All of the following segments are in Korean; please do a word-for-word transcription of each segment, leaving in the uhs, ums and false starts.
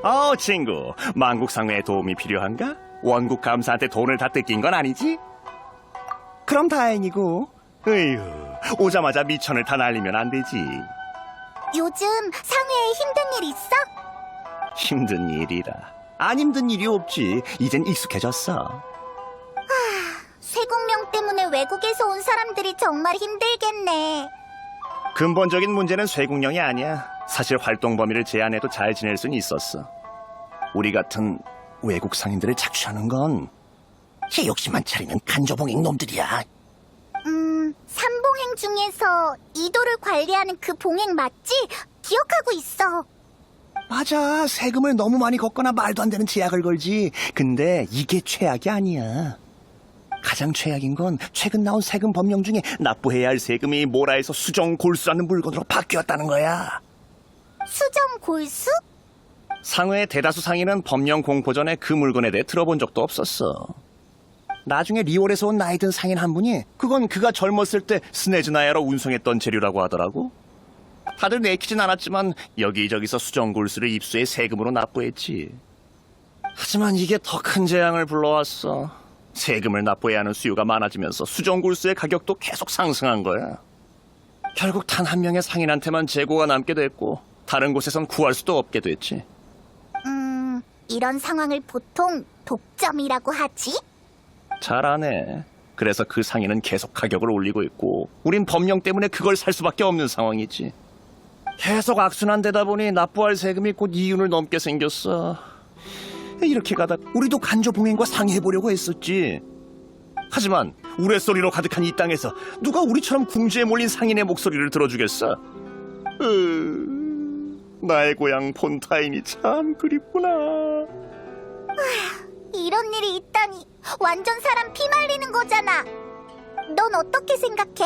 어, 친구, 만국상회에 도움이 필요한가? 원국 감사한테 돈을 다 뜯긴 건 아니지? 그럼 다행이고. 으휴, 오자마자 미천을 다 날리면 안 되지. 요즘 상회에 힘든 일 있어? 힘든 일이라. 안 힘든 일이 없지. 이젠 익숙해졌어. 쇠국령 때문에 외국에서 온 사람들이 정말 힘들겠네. 근본적인 문제는 쇠국령이 아니야. 사실 활동 범위를 제한해도 잘 지낼 수는 있었어. 우리 같은 외국 상인들을 착취하는 건 제 욕심만 차리는 간조봉행 놈들이야. 음, 삼봉행 중에서 이도를 관리하는 그 봉행 맞지? 기억하고 있어. 맞아. 세금을 너무 많이 걷거나 말도 안 되는 제약을 걸지. 근데 이게 최악이 아니야. 가장 최악인 건 최근 나온 세금 법령 중에 납부해야 할 세금이 모라에서 수정 골수라는 물건으로 바뀌었다는 거야. 수정 골수? 상회의 대다수 상인은 법령 공포 전에 그 물건에 대해 들어본 적도 없었어. 나중에 리올에서 온 나이 든 상인 한 분이 그건 그가 젊었을 때 스네즈나야로 운송했던 재료라고 하더라고. 다들 내키진 않았지만 여기저기서 수정 골수를 입수해 세금으로 납부했지. 하지만 이게 더 큰 재앙을 불러왔어. 세금을 납부해야 하는 수요가 많아지면서 수정 골수의 가격도 계속 상승한 거야. 결국 단 한 명의 상인한테만 재고가 남게 됐고 다른 곳에선 구할 수도 없게 됐지. 음, 이런 상황을 보통 독점이라고 하지? 잘하네. 그래서 그 상인은 계속 가격을 올리고 있고 우린 법령 때문에 그걸 살 수밖에 없는 상황이지. 계속 악순환되다 보니 납부할 세금이 곧 이윤을 넘게 생겼어. 이렇게 가다 우리도 간조봉행과 상의해보려고 했었지. 하지만 우레소리로 가득한 이 땅에서 누가 우리처럼 궁지에 몰린 상인의 목소리를 들어주겠어? 으... 나의 고향 폰타인이 참 그립구나. 이런 일이 있다니 완전 사람 피 말리는 거잖아. 넌 어떻게 생각해?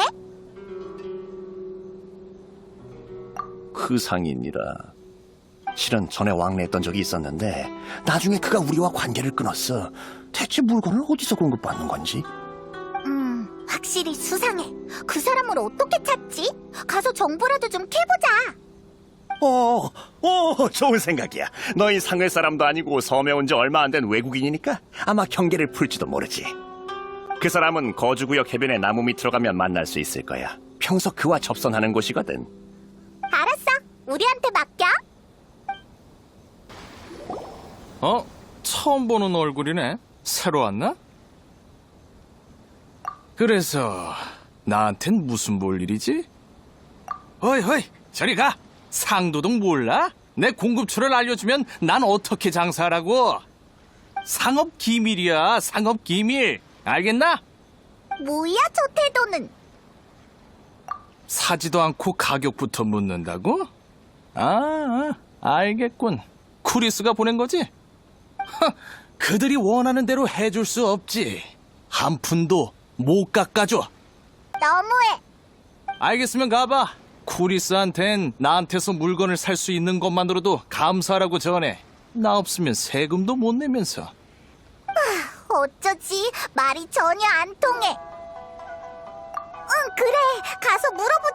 그 상인이라. 실은 전에 왕래했던 적이 있었는데 나중에 그가 우리와 관계를 끊었어. 대체 물건을 어디서 공급받는 건지? 음, 확실히 수상해. 그 사람을 어떻게 찾지? 가서 정보라도 좀 캐보자. 어, 어, 좋은 생각이야. 너희 상회 사람도 아니고 섬에 온 지 얼마 안 된 외국인이니까 아마 경계를 풀지도 모르지. 그 사람은 거주구역 해변에 나무 밑으로 가면 만날 수 있을 거야. 평소 그와 접선하는 곳이거든. 알았어. 우리한테 맡겨. 어? 처음 보는 얼굴이네. 새로 왔나? 그래서 나한텐 무슨 볼 일이지? 어이 어이 저리 가. 상도덕 몰라? 내 공급처를 알려주면 난 어떻게 장사하라고? 상업 기밀이야. 상업 기밀. 알겠나? 뭐야 저 태도는. 사지도 않고 가격부터 묻는다고? 아, 아 알겠군. 쿠리스가 보낸 거지? 허, 그들이 원하는 대로 해줄 수 없지. 한 푼도 못 깎아줘. 너무해. 알겠으면 가봐. 쿠리스한텐 나한테서 물건을 살 수 있는 것만으로도 감사하라고 전해. 나 없으면 세금도 못 내면서. 어쩌지? 말이 전혀 안 통해. 응, 그래. 가서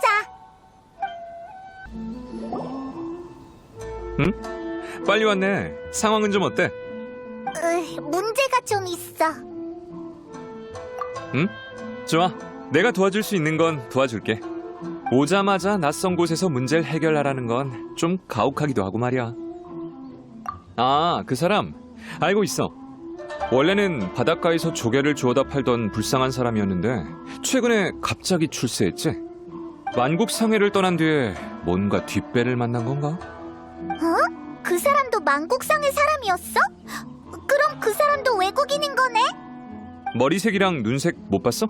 물어보자. 응? 빨리 왔네. 상황은 좀 어때? 으, 문제가 좀 있어. 응? 좋아. 내가 도와줄 수 있는 건 도와줄게. 오자마자 낯선 곳에서 문제를 해결하라는 건 좀 가혹하기도 하고 말이야. 아, 그 사람 알고 있어. 원래는 바닷가에서 조개를 주워다 팔던 불쌍한 사람이었는데 최근에 갑자기 출세했지. 만국상회를 떠난 뒤에 뭔가 뒷배를 만난 건가? 어? 그 사람도 만국상의 사람이었어? 그럼 그 사람도 외국인인 거네? 머리색이랑 눈색 못 봤어?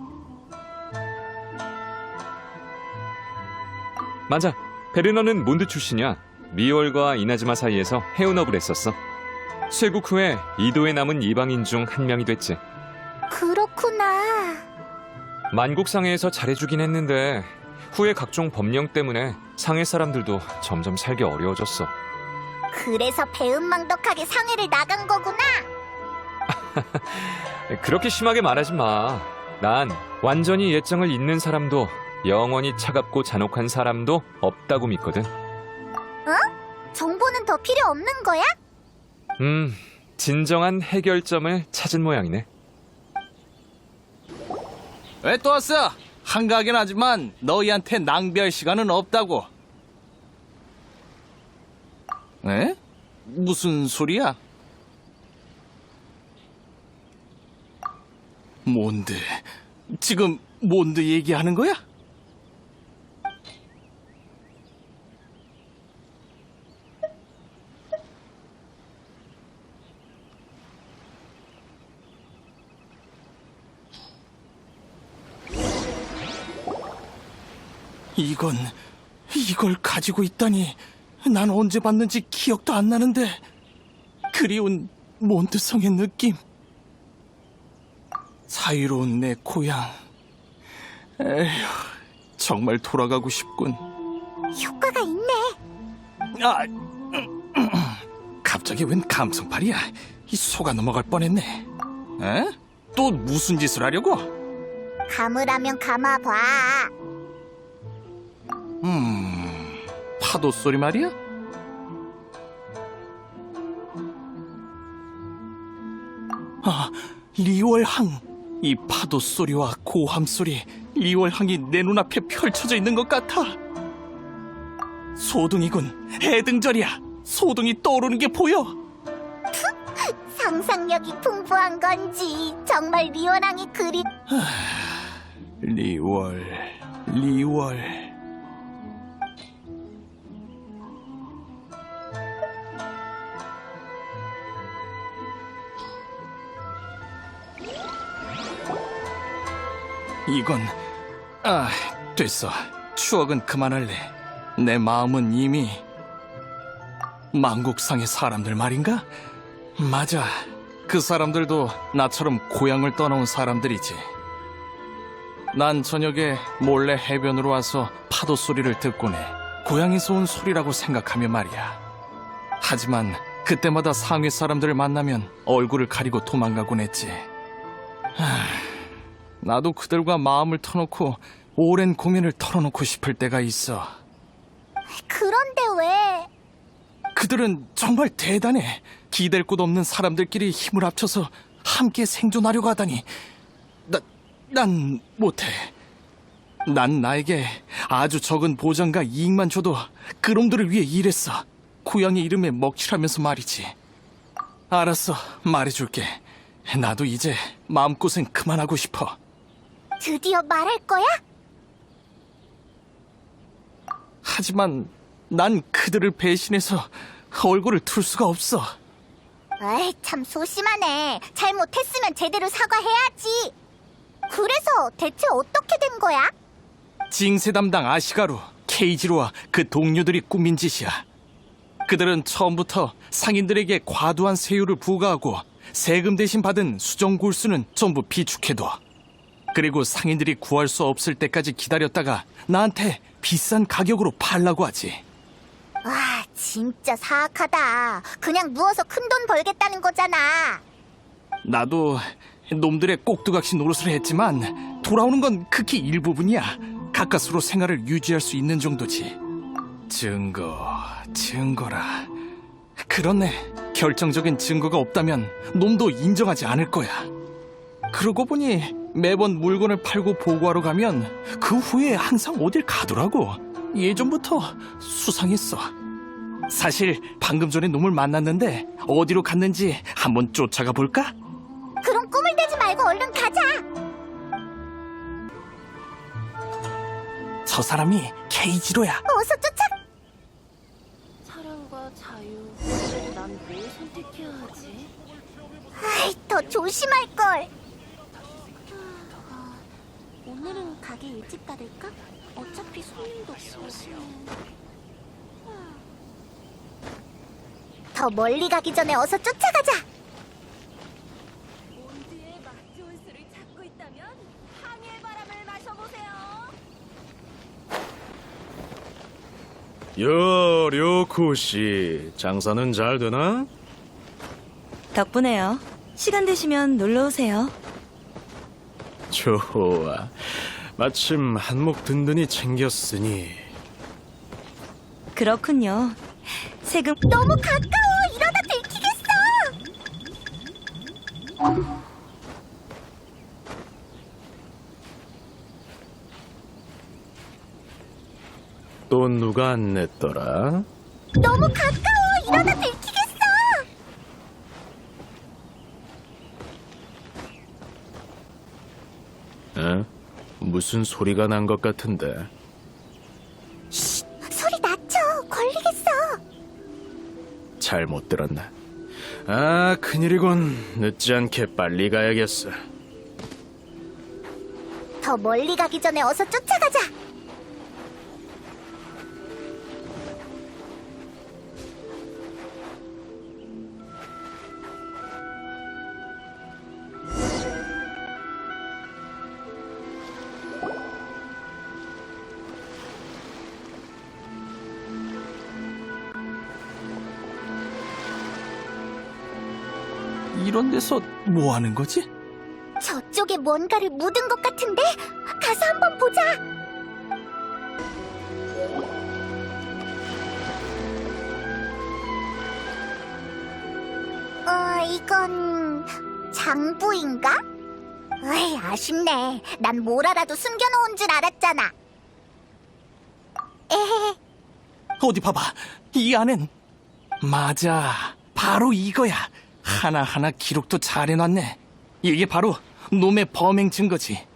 맞아. 베르너는 몬드 출신이야. 리올과 이나즈마 사이에서 해운업을 했었어. 쇄국 후에 이도에 남은 이방인 중 한 명이 됐지. 그렇구나. 만국상회에서 잘해주긴 했는데 후에 각종 법령 때문에 상회 사람들도 점점 살기 어려워졌어. 그래서 배은망덕하게 상해를 나간 거구나. 그렇게 심하게 말하지 마. 난 완전히 예정을 잇는 사람도 영원히 차갑고 잔혹한 사람도 없다고 믿거든. 정보는 더 필요 없는 거야? 음, 진정한 해결점을 찾은 모양이네. 왜 또 왔어? 한가하긴 하지만 너희한테 낭비할 시간은 없다고. 에? 무슨 소리야? 몬드, 지금 몬드 얘기하는 거야? 이건, 이걸 가지고 있다니. 난 언제 봤는지 기억도 안 나는데. 그리운 몬드성의 느낌. 자유로운 내 고향. 에휴, 정말 돌아가고 싶군. 효과가 있네. 아, 갑자기 웬 감성팔이야. 이 속아 넘어갈 뻔했네. 에? 또 무슨 짓을 하려고? 감으라면 감아봐. 음, 파도 소리 말이야? 아, 리월항. 이 파도 소리와 고함 소리, 리월항이 내 눈앞에 펼쳐져 있는 것 같아. 소둥이군, 해등절이야. 소둥이 떠오르는 게 보여. 상상력이 풍부한 건지 정말 리원왕이 그리. 리월, 리월. 이건, 아, 됐어. 추억은 그만할래. 내 마음은 이미 만국상의 사람들 말인가? 맞아. 그 사람들도 나처럼 고향을 떠나온 사람들이지. 난 저녁에 몰래 해변으로 와서 파도 소리를 듣곤 해. 고향에서 온 소리라고 생각하며 말이야. 하지만 그때마다 상해 사람들을 만나면 얼굴을 가리고 도망가곤 했지. 하, 나도 그들과 마음을 터놓고 오랜 고민을 털어놓고 싶을 때가 있어. 그런데 왜? 그들은 정말 대단해. 기댈 곳 없는 사람들끼리 힘을 합쳐서 함께 생존하려고 하다니. 나, 난 못해. 난 나에게 아주 적은 보장과 이익만 줘도 그놈들을 위해 일했어. 고향의 이름에 먹칠하면서 말이지. 알았어, 말해줄게. 나도 이제 마음고생 그만하고 싶어. 드디어 말할 거야? 하지만 난 그들을 배신해서 얼굴을 틀 수가 없어. 에이, 참 소심하네. 잘못했으면 제대로 사과해야지. 그래서 대체 어떻게 된 거야? 징세 담당 아시가루, 케이지로와 그 동료들이 꾸민 짓이야. 그들은 처음부터 상인들에게 과도한 세율을 부과하고 세금 대신 받은 수정 골수는 전부 비축해둬. 그리고 상인들이 구할 수 없을 때까지 기다렸다가 나한테 비싼 가격으로 팔라고 하지. 와, 진짜 사악하다. 그냥 누워서 큰 돈 벌겠다는 거잖아. 나도 놈들의 꼭두각시 노릇을 했지만 돌아오는 건 극히 일부분이야. 가까스로 생활을 유지할 수 있는 정도지. 증거, 증거라. 그렇네. 결정적인 증거가 없다면 놈도 인정하지 않을 거야. 그러고 보니 매번 물건을 팔고 보고하러 가면 그 후에 항상 어딜 가더라고. 예전부터 수상했어. 사실 방금 전에 놈을 만났는데 어디로 갔는지 한번 쫓아가 볼까? 그럼 꿈을 대지 말고 얼른 가자. 저 사람이 케이지로야. 어서 쫓아. 사랑과 자유. 난 뭘 선택해야 하지? 아이, 더 조심할 걸. 오늘은 가게 일찍 닫을까? 어차피 손님도 없으면. 더 멀리 가기 전에 어서 쫓아가자. 몬드의 맛 좋은 술을 찾고 있다면 항해의 바람을 마셔보세요. 여, 료쿠씨, 장사는 잘 되나? 덕분에요. 시간 되시면 놀러 오세요. 좋아. 마침 한몫 든든히 챙겼으니. 그렇군요. 세금 너무 가까워. 이러다 들키겠어. 또 누가 안 냈더라? 너무 가까워. 이러다 들키겠어. 에? 무슨 소리가 난 것 같은데. 소리 낮춰. 걸리겠어. 잘못 들었나? 아, 큰일이군. 늦지 않게 빨리 가야겠어. 더 멀리 가기 전에 어서 쫓아가자. 이런 데서 뭐 하는 거지? 저쪽에 뭔가를 묻은 것 같은데? 가서 한번 보자. 어, 이건 장부인가? 에이, 아쉽네. 난 뭘 알아도 숨겨놓은 줄 알았잖아. 에헤. 어디 봐봐. 이 안엔. 맞아. 바로 이거야. 하나하나 기록도 잘 해놨네. 이게 바로 놈의 범행 증거지.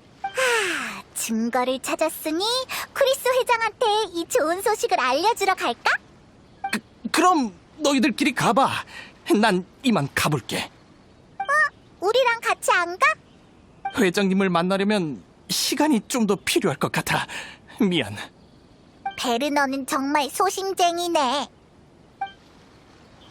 증거를 찾았으니 크리스 회장한테 이 좋은 소식을 알려주러 갈까? 그, 그럼 너희들끼리 가봐. 난 이만 가볼게. 우리랑 같이 안 가? 회장님을 만나려면 시간이 좀 더 필요할 것 같아. 미안. 베르너는 정말 소심쟁이네.